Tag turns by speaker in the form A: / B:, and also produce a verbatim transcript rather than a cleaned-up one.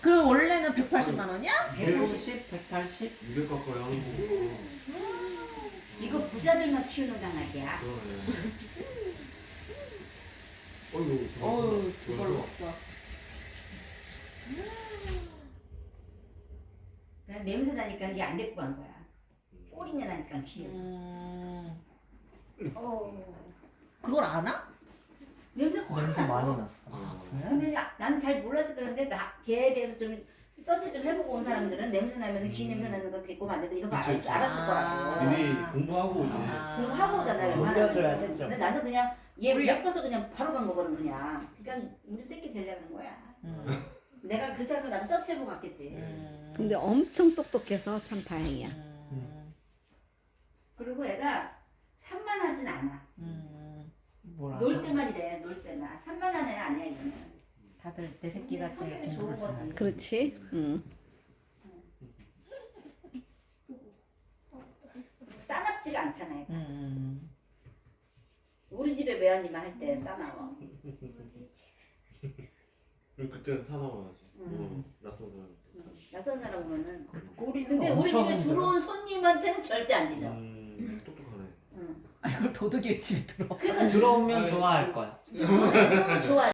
A: 그럼 원래는 백팔십만 원이야?
B: 백오십, 백팔십?
C: 이백 가까이 하는 거.
D: 이거 부자들만 키우는 강아지야.
C: 그러네. 어이구,
A: 어우,
C: 좋았어.
A: 두 걸 먹었어.
D: 그냥 냄새 나니까 이게 안 데리고 간 거야. 꼬리내 나니까 귀에서.
A: 음,
D: 어.
A: 그걸 아나?
D: 냄새 확
B: 냄새
D: 났어.
B: 많이 났어.
A: 아,
D: 근데 나, 나는 잘 몰라서 그런데 나, 걔에 대해서 좀 서치 좀 해보고 온 사람들은 냄새 나면 귀 냄새 나는 거 데리고 오면 안 된다 이런 거
C: 그치,
D: 알,
C: 그치.
D: 알았을
A: 아.
D: 거라고.
C: 미리 공부하고 오지.
A: 아.
D: 공부하고 오잖아요.
C: 어,
D: 웬만하면.
B: 놀려줘야지,
D: 근데,
B: 좀.
D: 근데 나는 그냥 얘
A: 올려.
D: 예뻐서 그냥 바로 간 거거든 그냥. 그러니까 우리 새끼 되려는 거야.
A: 음,
D: 내가 그렇지 않아서 나도 서치해보고 갔겠지.
A: 음,
E: 근데 엄청 똑똑해서 참 다행이야.
A: 음,
D: 그리고 애가 산만하진 않아.
A: 음,
B: 뭐라.
D: 놀 때만 이래. 놀 때만. 산만한 애 아니야 이거는.
A: 다들 내 새끼가 제일
D: 성격이 좋은
A: 공부를
D: 거지.
A: 잘하지.
E: 그렇지? 응.
D: 싸납지가 않잖아. 얘가.
A: 음,
D: 우리 집에 매연이만 할 때 싸나워.
C: 그리고 그때는 사나워야지.
D: 음.
C: 음. 낯선 사람.
D: 낯선 사람 오면은.
B: 꼬리는
D: 근데 우리
B: 엄청
D: 집에
B: 힘들어.
D: 들어온 손님한테는 절대 안 짖어.
C: 음, 똑똑하네.
D: 응.
A: 아, 이걸 도둑이 집에 들어.
D: 그러니까
B: 들어오면 좋아할 거야.
D: 좋아.